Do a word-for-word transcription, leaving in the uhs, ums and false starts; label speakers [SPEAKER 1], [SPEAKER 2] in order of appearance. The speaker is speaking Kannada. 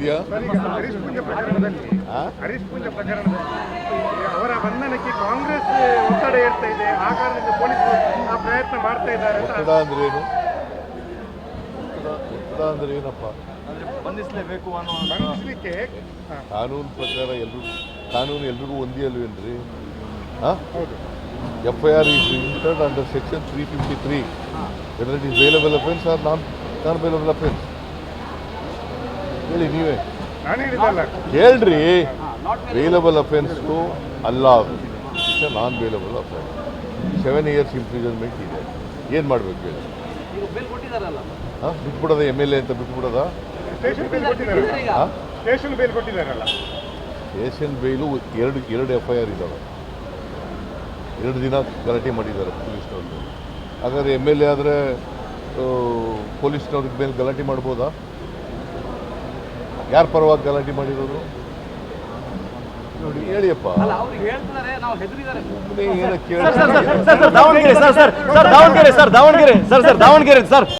[SPEAKER 1] ವಿಷಯ?
[SPEAKER 2] ಹರೀಶ್ ಪೂಜೆ ಪ್ರಕರಣದಲ್ಲಿ ಹರೀಶ್ ಪೂಜೆ ಪ್ರಕರಣದಲ್ಲಿ ಅವರ ಬಂಧನಕ್ಕೆ ಕಾಂಗ್ರೆಸ್ ಒತ್ತಡ ಏರ್ತಾ ಇದೆ. ಆ ಕಾರಣದಿಂದ ಪೊಲೀಸರು ಆ ಪ್ರಯತ್ನ ಮಾಡ್ತಾ ಇದ್ದಾರೆ.
[SPEAKER 1] ಒತ್ತಡ ಅಂದ್ರೆ ಏನು? ಒತ್ತಡ ಅಂದ್ರೆ ಏನಪ್ಪ?
[SPEAKER 3] ಬಂಧಿಸಲೇಬೇಕು ಅನ್ನೋ
[SPEAKER 2] ಬಂಧಿಸಲಿಕ್ಕೆ
[SPEAKER 1] ಕಾನೂನು ಪ್ರಕಾರ ಎಲ್ರಿಗೂ ಕಾನೂನು ಎಲ್ರಿಗೂ ಒಂದೇ ಅಲ್ವೇನ್ರಿ?
[SPEAKER 2] ಹೌದು.
[SPEAKER 1] F I R is registered under section three fifty three whether it is bailable offence or non non bailable offence. ಹೇಳಿ ನೀವೇ
[SPEAKER 2] ನಾನು ಹೇಳಿದಲ್ಲ.
[SPEAKER 1] ಹೇಳ್ರಿ, ಬೇಲಬಲ್ ಅಫೆನ್ಸು ಅಲ್ಲ, it's a non bailable offence. Seven years imprisonment ಇದೆ. ಏನು ಮಾಡಬೇಕು ಹೇಳಿ? ಹಾಂ, ಬಿಟ್ಬಿಡೋದ ಎಮ್ ಎಲ್ ಎ ಅಂತ ಬಿಟ್ಬಿಡೋದ?
[SPEAKER 2] ಸ್ಟೇಷನ್ ಬೇಲ್ ಕೊಟ್ಟಿದ್ದಾರಲ್ಲ.
[SPEAKER 1] ಹಾಂ,
[SPEAKER 2] ಸ್ಟೇಷನ್ ಬೇಲ್ ಕೊಟ್ಟಿದ್ದಾರಲ್ಲ.
[SPEAKER 1] ಸ್ಟೇಷನ್ ಬೇಲು ಎರಡು ಎರಡು ಎಫ್ ಐ ಆರ್ ಇದ್ದಾವೆ. ಎರಡು ದಿನ ಗಲಾಟೆ ಮಾಡಿದ್ದಾರೆ ಪೊಲೀಸ್ನವ್ರಿಗೆ. ಹಾಗಾದರೆ ಎಮ್ ಎಲ್ ಎ ಆದರೆ ಪೊಲೀಸ್ನವ್ರಿಗೆ ಮೇಲೆ ಗಲಾಟೆ ಮಾಡ್ಬೋದಾ? ಯಾರ ಪರವಾಗಿ ಗಲಾಟೆ ಮಾಡಿರೋರು ನೋಡಿ ಹೇಳಿಯಪ್ಪ.
[SPEAKER 3] Davanagere sir sir Davanagere sir Davanagere sir sir Davanagere sir